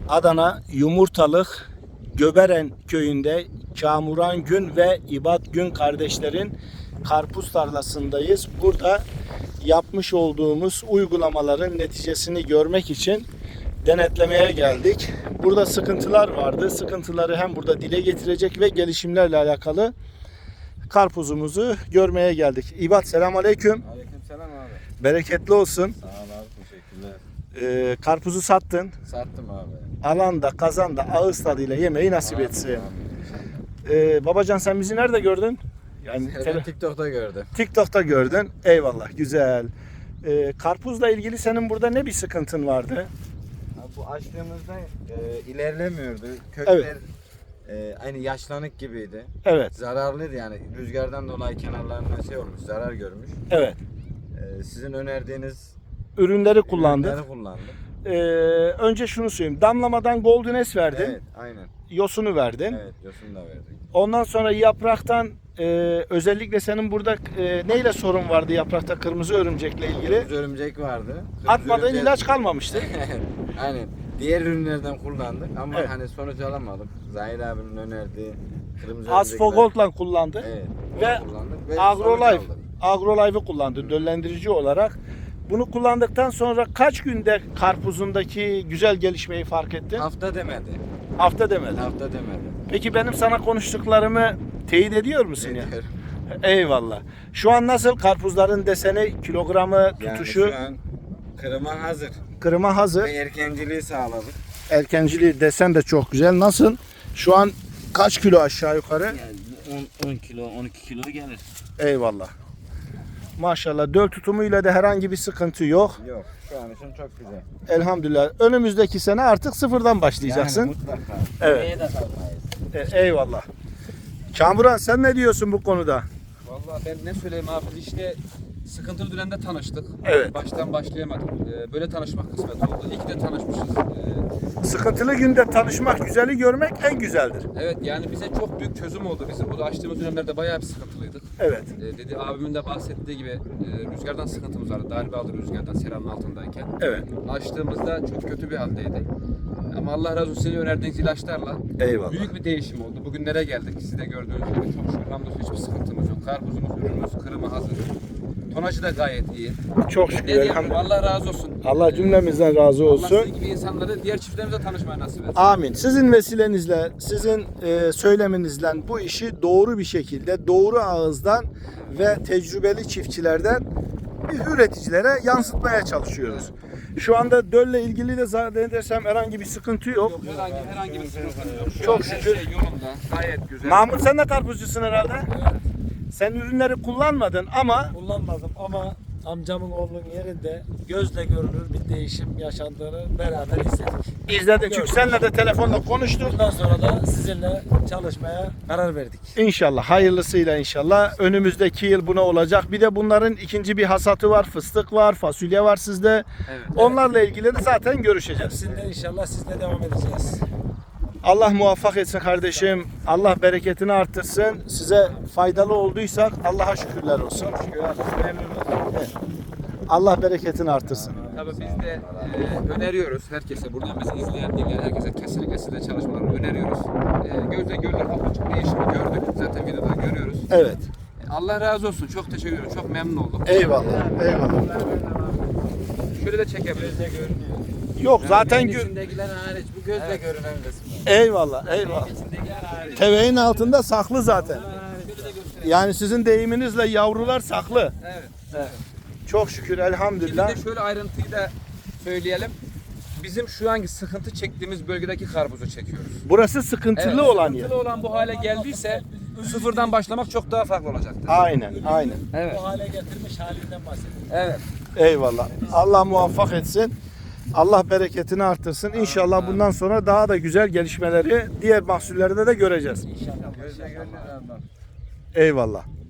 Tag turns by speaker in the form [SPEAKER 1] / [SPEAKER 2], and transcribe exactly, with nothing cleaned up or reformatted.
[SPEAKER 1] Adana Yumurtalık Göberen köyünde Kamuran Gün ve İbat Gün kardeşlerin karpuz tarlasındayız. Burada yapmış olduğumuz uygulamaların neticesini görmek için denetlemeye geldik. Burada sıkıntılar vardı. Sıkıntıları hem burada dile getirecek ve gelişimlerle alakalı karpuzumuzu görmeye geldik. İbat, selamünaleyküm.
[SPEAKER 2] Aleykümselam abi.
[SPEAKER 1] Bereketli olsun.
[SPEAKER 2] Sağ ol abi, teşekkürler.
[SPEAKER 1] Ee, karpuzu sattın.
[SPEAKER 2] Sattım abi.
[SPEAKER 1] Alanda, kazanda, ağız tadıyla yemeği nasip
[SPEAKER 2] Abi,
[SPEAKER 1] etsin.
[SPEAKER 2] abi.
[SPEAKER 1] Ee, babacan, sen bizi nerede gördün? Yani
[SPEAKER 2] Ben
[SPEAKER 1] tele-
[SPEAKER 2] TikTok'ta gördüm.
[SPEAKER 1] TikTok'ta gördün. Eyvallah, güzel. Ee, karpuzla ilgili senin burada ne bir sıkıntın vardı?
[SPEAKER 2] Abi bu açtığımızda e, ilerlemiyordu. Kökler
[SPEAKER 1] Evet.
[SPEAKER 2] e, aynı yaşlanık gibiydi.
[SPEAKER 1] Evet,
[SPEAKER 2] Zararlıydı yani. Rüzgardan dolayı kenarlarına şey olmuş, zarar görmüş.
[SPEAKER 1] evet.
[SPEAKER 2] E, sizin önerdiğiniz
[SPEAKER 1] Ürünleri kullandık.
[SPEAKER 2] ürünleri kullandık.
[SPEAKER 1] Ee, önce şunu söyleyeyim. Damlamadan Golden S verdin.
[SPEAKER 2] Evet, aynen.
[SPEAKER 1] Yosunu verdin.
[SPEAKER 2] Evet, yosun da verdik.
[SPEAKER 1] Ondan sonra yapraktan e, özellikle senin burada e, neyle sorun vardı yaprakta, kırmızı örümcekle ilgili?
[SPEAKER 2] Kırmızı örümcek vardı. Kırmızı
[SPEAKER 1] Atmadığın
[SPEAKER 2] örümcek-
[SPEAKER 1] ilaç kalmamıştı.
[SPEAKER 2] Aynen. Diğer ürünlerden kullandık ama
[SPEAKER 1] Evet.
[SPEAKER 2] hani sonuç alamadık. Zahir abinin önerdiği kırmızı
[SPEAKER 1] Asfogold'la kullandık.
[SPEAKER 2] Evet.
[SPEAKER 1] Ve
[SPEAKER 2] onu kullandık ve sonuç
[SPEAKER 1] Agrolife,
[SPEAKER 2] aldık.
[SPEAKER 1] Agrolife'ı kullandı döllendirici olarak. Bunu kullandıktan sonra kaç günde karpuzundaki güzel gelişmeyi fark ettin?
[SPEAKER 2] Hafta demedi.
[SPEAKER 1] Hafta demedi.
[SPEAKER 2] Hafta demedi.
[SPEAKER 1] Peki benim sana konuştuklarımı teyit ediyor musun ya?
[SPEAKER 2] Ediyorum.
[SPEAKER 1] Eyvallah. Şu an nasıl karpuzların deseni, kilogramı, tutuşu,
[SPEAKER 2] Yani şu an kırıma hazır.
[SPEAKER 1] kırıma hazır.
[SPEAKER 2] Ve erkenciliği sağladık.
[SPEAKER 1] Erkenciliği, desen de çok güzel. Nasıl? Şu an kaç kilo aşağı yukarı?
[SPEAKER 3] Yani on kilo, on iki kilo gelir.
[SPEAKER 1] Eyvallah. Maşallah. Döl tutumuyla da herhangi bir sıkıntı yok.
[SPEAKER 2] Yok. Şu an için çok güzel.
[SPEAKER 1] Elhamdülillah. Önümüzdeki sene artık sıfırdan başlayacaksın.
[SPEAKER 2] Yani mutlaka.
[SPEAKER 1] Evet.
[SPEAKER 3] Neye de kalmayız.
[SPEAKER 1] E, eyvallah. Kamuran, sen ne diyorsun bu konuda?
[SPEAKER 4] Vallahi ben ne söyleyeyim abi, biz işte sıkıntılı dönemde tanıştık.
[SPEAKER 1] Evet.
[SPEAKER 4] Baştan başlayamadık. Ee, Böyle tanışmak kısmet oldu. İyi ki de tanışmışız. Ee,
[SPEAKER 1] Sıkıntılı günde tanışmak, güzeli görmek en güzeldir.
[SPEAKER 4] Evet, yani bize çok büyük çözüm oldu bizim. Bu da açtığımız dönemlerde bayağı bir sıkıntılıydık.
[SPEAKER 1] Evet.
[SPEAKER 4] Ee, dedi abimin de bahsettiği gibi e, rüzgardan sıkıntımız vardı. Darbe aldı rüzgardan seranın altındayken.
[SPEAKER 1] Evet.
[SPEAKER 4] Açtığımızda çok kötü bir haldeydi. Ama Allah razı olsun, senin önerdiğiniz ilaçlarla
[SPEAKER 1] Eyvallah.
[SPEAKER 4] büyük bir değişim oldu. Bugünlere geldik. Siz de gördüğünüz gibi çok şükür hamdolsun hiçbir sıkıntımız yok. Karpuzumuz, ürünümüz, kırımı hazır. Tonajı da gayet iyi.
[SPEAKER 1] Çok
[SPEAKER 4] Ne
[SPEAKER 1] şükür.
[SPEAKER 4] diyeyim,
[SPEAKER 1] Elhamdülillah.
[SPEAKER 4] Allah razı olsun.
[SPEAKER 1] Allah cümlemizden razı
[SPEAKER 4] Allah
[SPEAKER 1] olsun.
[SPEAKER 4] sizin gibi insanları diğer çiftlerimize tanışmaya nasip etsin.
[SPEAKER 1] Amin. Sizin vesilenizle, sizin e, söyleminizle bu işi doğru bir şekilde, doğru ağızdan ve tecrübeli çiftçilerden üreticilere yansıtmaya çalışıyoruz. Şu anda dölle ilgili de zannedersem herhangi bir sıkıntı yok.
[SPEAKER 4] Yok, herhangi, herhangi bir sıkıntı yok. Şu
[SPEAKER 1] Çok
[SPEAKER 4] an her
[SPEAKER 1] şükür.
[SPEAKER 4] şey yolunda. Gayet güzel.
[SPEAKER 1] Mahmut, sen de karpuzcusun herhalde. Sen ürünleri kullanmadın ama
[SPEAKER 5] Kullanmadım ama amcamın oğlunun yerinde gözle görülür bir değişim yaşandığını beraber izledik.
[SPEAKER 1] izledik. Çünkü seninle de telefonla konuştuk.
[SPEAKER 5] Bundan sonra da sizinle çalışmaya karar verdik.
[SPEAKER 1] İnşallah, hayırlısıyla inşallah. Önümüzdeki yıl buna olacak. Bir de bunların ikinci bir hasatı var. Fıstık var, fasulye var sizde.
[SPEAKER 4] Evet.
[SPEAKER 1] Onlarla ilgili de zaten görüşeceğiz.
[SPEAKER 5] Sizinle inşallah sizle devam edeceğiz.
[SPEAKER 1] Allah muvaffak etsin kardeşim. Allah bereketini arttırsın. Size faydalı olduysak Allah'a şükürler olsun. Evet. Allah bereketini arttırsın.
[SPEAKER 4] Tabii biz de e, öneriyoruz herkese, buradan bizi izleyen, dinleyen herkese kesinlikle size çalışmaları öneriyoruz. E, gözle görülür apaçık değişimi gördük. Zaten videoda görüyoruz.
[SPEAKER 1] Evet.
[SPEAKER 4] E, Allah razı olsun. Çok teşekkür ederim. Çok memnun oldum.
[SPEAKER 1] Eyvallah. Eyvallah.
[SPEAKER 4] Şöyle de çekebiliriz.
[SPEAKER 1] Yok zaten gö-
[SPEAKER 2] İçindekiler hariç bu gözle görünen kısmı.
[SPEAKER 1] eyvallah. Eyvallah. Teveğin altında saklı zaten. Yani sizin deyiminizle yavrular saklı.
[SPEAKER 4] Evet.
[SPEAKER 1] Çok şükür,
[SPEAKER 4] Bir
[SPEAKER 1] elhamdülillah.
[SPEAKER 4] de şöyle ayrıntıyı da söyleyelim. Bizim şu anki sıkıntı çektiğimiz bölgedeki karpuzu çekiyoruz.
[SPEAKER 1] Burası sıkıntılı
[SPEAKER 4] Evet,
[SPEAKER 1] olan yer.
[SPEAKER 4] sıkıntılı olan bu hale geldiyse sıfırdan başlamak çok daha farklı olacaktır.
[SPEAKER 1] Aynen, aynen.
[SPEAKER 4] Evet.
[SPEAKER 5] Bu hale getirmiş halinden bahsedelim.
[SPEAKER 4] Evet.
[SPEAKER 1] Eyvallah. Allah muvaffak etsin. Allah bereketini arttırsın. İnşallah bundan sonra daha da güzel gelişmeleri diğer mahsullerde de göreceğiz.
[SPEAKER 2] Gözle görünen anlam.
[SPEAKER 1] Eyvallah.